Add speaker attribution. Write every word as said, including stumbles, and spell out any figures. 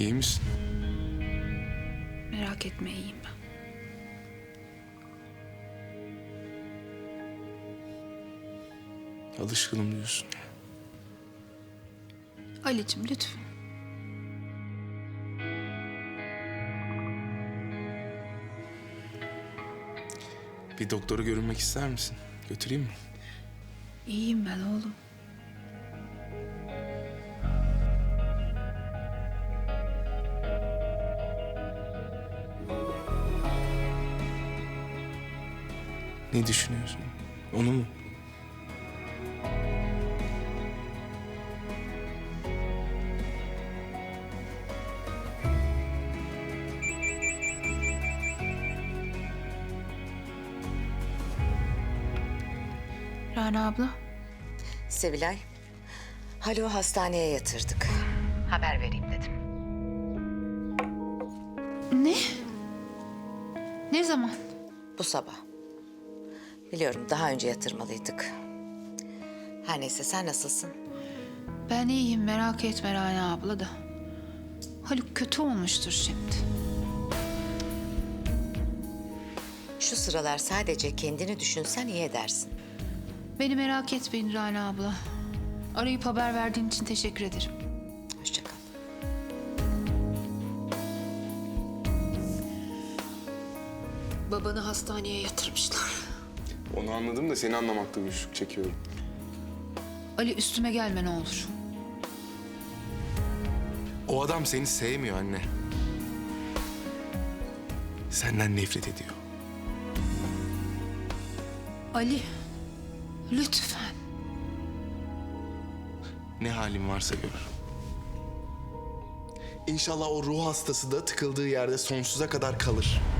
Speaker 1: İyi misin?
Speaker 2: Merak etme, iyiyim ben.
Speaker 1: Alışkınım diyorsun.
Speaker 2: Ali'cim lütfen.
Speaker 1: Bir doktora görünmek ister misin? Götüreyim mi?
Speaker 2: İyiyim ben oğlum.
Speaker 1: Ne düşünüyorsun? Onu mu?
Speaker 2: Rana abla.
Speaker 3: Sevilay, Haluk'u hastaneye yatırdık. Haber vereyim dedim.
Speaker 2: Ne? Ne zaman?
Speaker 3: Bu sabah. Biliyorum daha önce yatırmalıydık. Her neyse sen nasılsın?
Speaker 2: Ben iyiyim, merak etme Rana abla da. Haluk kötü olmuştur şimdi.
Speaker 3: Şu sıralar sadece kendini düşünsen iyi edersin.
Speaker 2: Beni merak etmeyin Rana abla. Arayıp haber verdiğin için teşekkür ederim.
Speaker 3: Hoşça kal.
Speaker 2: Babanı hastaneye yatırmışlar.
Speaker 1: Onu anladım da seni anlamakta güçlük çekiyorum.
Speaker 2: Ali üstüme gelme ne olur.
Speaker 1: O adam seni sevmiyor anne. Senden nefret ediyor.
Speaker 2: Ali, lütfen.
Speaker 1: Ne halin varsa gör. İnşallah o ruh hastası da tıkıldığı yerde sonsuza kadar kalır.